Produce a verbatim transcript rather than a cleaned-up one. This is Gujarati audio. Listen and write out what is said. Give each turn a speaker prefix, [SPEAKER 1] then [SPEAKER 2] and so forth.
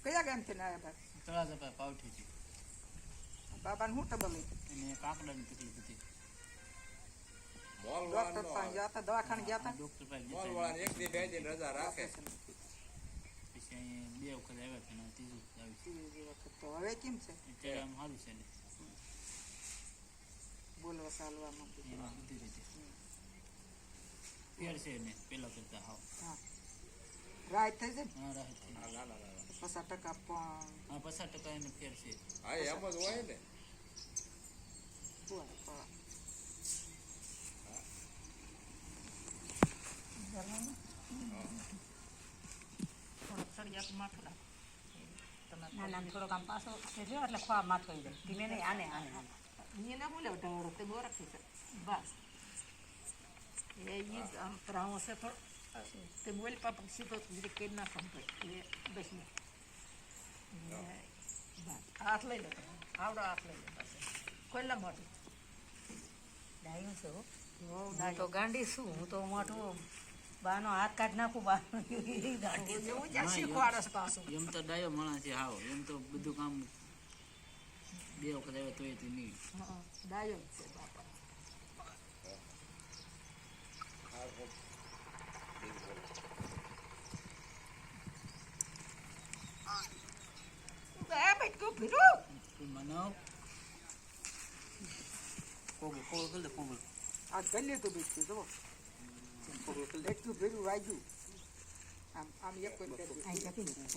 [SPEAKER 1] કયા ગામથી ને આવ્યા ભાઈ?
[SPEAKER 2] તળાજા પાવઠીથી.
[SPEAKER 1] બાબાને શું ટબલ
[SPEAKER 2] એને કાકડાની તકલીફ હતી.
[SPEAKER 1] ડોક્ટર પાસે ગયા હતા, દવાખાને ગયા હતા.
[SPEAKER 2] ડોક્ટર પાસે
[SPEAKER 3] મોલ વાળાને એક દી બે દિન રજા રાખે.
[SPEAKER 2] પછી અહીં બે વખત આવ્યા છે ને ત્રીજું આવ્યું છે.
[SPEAKER 1] ત્રીજી વખત તો હવે કેમ છે?
[SPEAKER 2] અત્યારે આમ સારું છે ને
[SPEAKER 1] બોલવા ચાલવામાં
[SPEAKER 2] એમાં બધી રીતે ફેર છે ને પેલા કરતા હાવ.
[SPEAKER 1] હા રાહત થઈ જાય.
[SPEAKER 2] હા રાહત થઈ.
[SPEAKER 3] હા ના ના ના
[SPEAKER 1] પચાસ ટકા પણ
[SPEAKER 2] હા પચાસ ટકા એને ફેર છે.
[SPEAKER 3] હા એમ જ હોય ને.
[SPEAKER 4] થોડોક આમ પાછો જો એટલે ખોવા માથો જાય ધીમે નહીં આને આને
[SPEAKER 1] એને હું લેવ ઢવડો તે બહુ રાખી છે બસ એ ઈ જ આમ પ્રાવો છે થોડો તે બોલ પાપા સીધો જે કે ના સંભાળ એ બસ ને બસ હાથ લઈ લો આવડો હાથ લઈ લો બસ કોઈલા મોટું
[SPEAKER 4] ડાયું છે હો
[SPEAKER 1] હો
[SPEAKER 4] હું તો ગાંડી છું હું તો મોટું બાનો હાથ કાઢ નાખું બાનો ગાંડી
[SPEAKER 1] એવું જ્યાં શીખવાડસ પાછું
[SPEAKER 2] એમ તો ડાયો માણસ છે હાવ. એમ તો બધું કામ બે વખત આવ્યા તોય તે નહીં.
[SPEAKER 1] હા ડાયો છે બાપા એ બેટકો ભીરો
[SPEAKER 2] તું મનાવ કોગો કોગો કર દે કોગો.
[SPEAKER 1] આ ગલ્લે તો બેટકો જો બેટકો ભીરું વાગ્યું આમ આમ એક કોઈ